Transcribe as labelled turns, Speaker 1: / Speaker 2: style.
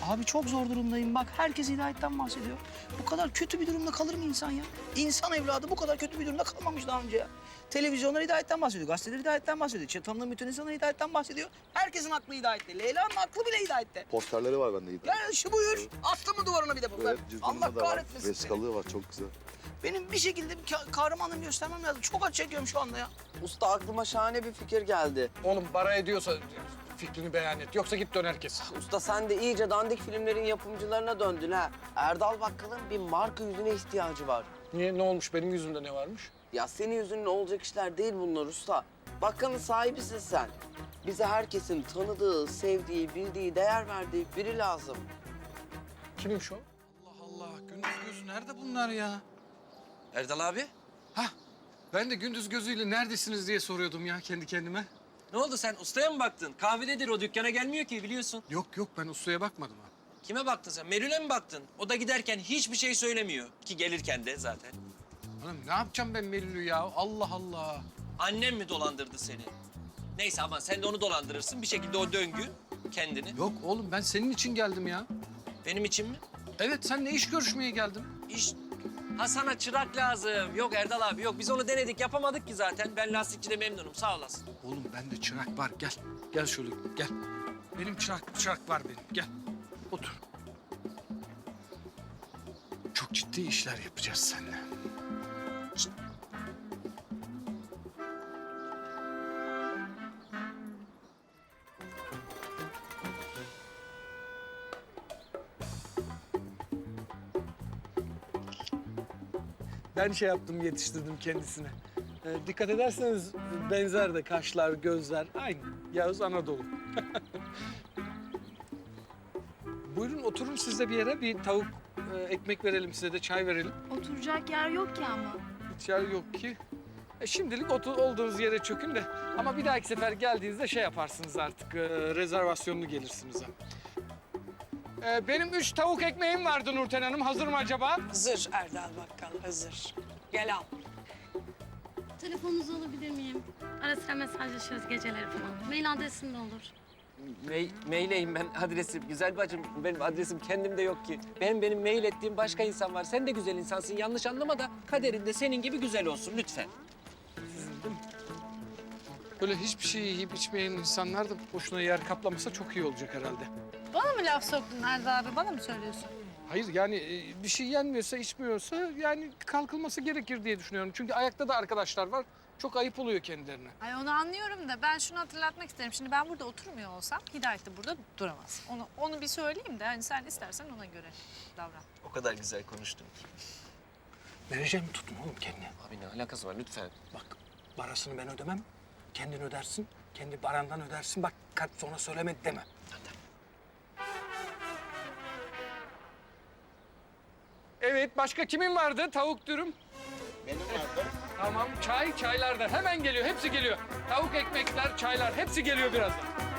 Speaker 1: Abi çok zor durumdayım bak. Herkes hidayetten bahsediyor. Bu kadar kötü bir durumda kalır mı insan ya? İnsan evladı bu kadar kötü bir durumda kalmamış daha önce ya. Televizyonlar hidayetten bahsediyor, gazeteler hidayetten bahsediyor. Tanıdığım bütün insanlar hidayetten bahsediyor. Herkesin aklı hidayette. Leyla'nın aklı bile hidayette.
Speaker 2: Posterleri var bende hidayet.
Speaker 1: Ya şu buyur. Astı mı duvarına bir de bunlar?
Speaker 2: Evet, cüzdanında
Speaker 1: Allah
Speaker 2: da var.
Speaker 1: kahretmesin seni.
Speaker 2: Veskalığı var, çok güzel.
Speaker 1: Benim bir şekilde bir kahramanlığımı göstermem lazım. Çok acı çekiyorum şu anda ya.
Speaker 3: Usta aklıma şahane bir fikir geldi.
Speaker 4: Oğlum para ediyorsa fikrini beyan et. Yoksa git dön herkes.
Speaker 3: Usta sen de iyice dandik filmlerin yapımcılarına döndün ha. Erdal Bakkal'ın bir marka yüzüne ihtiyacı var.
Speaker 4: Niye? Ne olmuş? Benim yüzümde ne varmış?
Speaker 3: Ya senin yüzünle olacak işler değil bunlar usta. Bakkalın sahibisin sen. Bize herkesin tanıdığı, sevdiği, bildiği, değer verdiği biri lazım.
Speaker 4: Kimmiş o? Allah Allah. Gündüz gözü nerede bunlar ya?
Speaker 5: Erdal abi,
Speaker 4: Hah. Ben de gündüz gözüyle neredesiniz diye soruyordum ya kendi kendime.
Speaker 5: ne oldu sen ustaya mı baktın? Kahvededir o, dükkana gelmiyor ki biliyorsun.
Speaker 4: Yok ben ustaya bakmadım ha.
Speaker 5: Kime baktın sen? Merül'e mi baktın? O da giderken hiçbir şey söylemiyor. Ki gelirken de zaten.
Speaker 4: Oğlum ne yapacağım ben Melül'ü ya? Allah Allah.
Speaker 5: Annem mi dolandırdı seni? Neyse aman sen de onu dolandırırsın. Bir şekilde o döngü kendini.
Speaker 4: Yok oğlum ben senin için geldim ya.
Speaker 5: Benim için mi?
Speaker 4: Evet seninle iş görüşmeye geldim.
Speaker 5: İş... Ha sana çırak lazım. Yok Erdal abi yok. Biz onu denedik yapamadık ki zaten. Ben lastikçide memnunum sağ olasın.
Speaker 4: Oğlum bende çırak var gel. Gel şöyle gel. Benim çırak var benim gel. Otur. Çok ciddi işler yapacağız seninle. Ben şey yaptım, yetiştirdim kendisine. Dikkat ederseniz benzer de kaşlar, gözler aynı. Yağız Anadolu. Buyurun oturun siz de bir yere. Bir tavuk, ekmek verelim size de çay verelim.
Speaker 6: Oturacak yer yok ki ama.
Speaker 4: Hiç yer yok ki. Şimdilik olduğunuz yere çökün de. Ama bir dahaki sefer geldiğinizde şey yaparsınız artık. Rezervasyonlu gelirsiniz ha. Benim 3 tavuk ekmeğim vardı Nurten Hanım. Hazır mı acaba?
Speaker 7: Hazır Erdal Bakkal, hazır. Gel al.
Speaker 6: Telefonunuzu alabilir miyim? Ara sıra mesajlaşırız geceleri falan. Mail adresim de olur.
Speaker 5: Maileyim ben adresim. Güzel bacım benim adresim kendimde yok ki. Benim mail ettiğim başka insan var. Sen de güzel insansın. Yanlış anlama da kaderinde senin gibi güzel olsun lütfen.
Speaker 4: Böyle hiçbir şey yiyip içmeyen insanlar da boşuna yer kaplamasa çok iyi olacak herhalde.
Speaker 8: Bana mı laf soktun Erdal abi? Bana mı söylüyorsun?
Speaker 4: Hayır yani bir şey yenmiyorsa, içmiyorsa yani kalkılması gerekir diye düşünüyorum. Çünkü ayakta da arkadaşlar var. Çok ayıp oluyor kendilerine.
Speaker 8: Ay onu anlıyorum da ben şunu hatırlatmak isterim. Şimdi ben burada oturmuyor olsam Hidayet de burada duramaz. Onu bir söyleyeyim de hani sen istersen ona göre davran.
Speaker 5: O kadar güzel konuştun ki.
Speaker 4: Vereceğim tutma oğlum kendini.
Speaker 5: Abi ne alakası var lütfen.
Speaker 4: Bak parasını ben ödemem. Kendin ödersin. Kendi parandan ödersin. Bak kalp sonra söylemedi deme. Evet, başka kimin vardı? Tavuk dürüm.
Speaker 2: Benim vardı.
Speaker 4: Tamam, çaylar da hemen geliyor. Hepsi geliyor. Tavuk ekmekler, çaylar hepsi geliyor birazdan.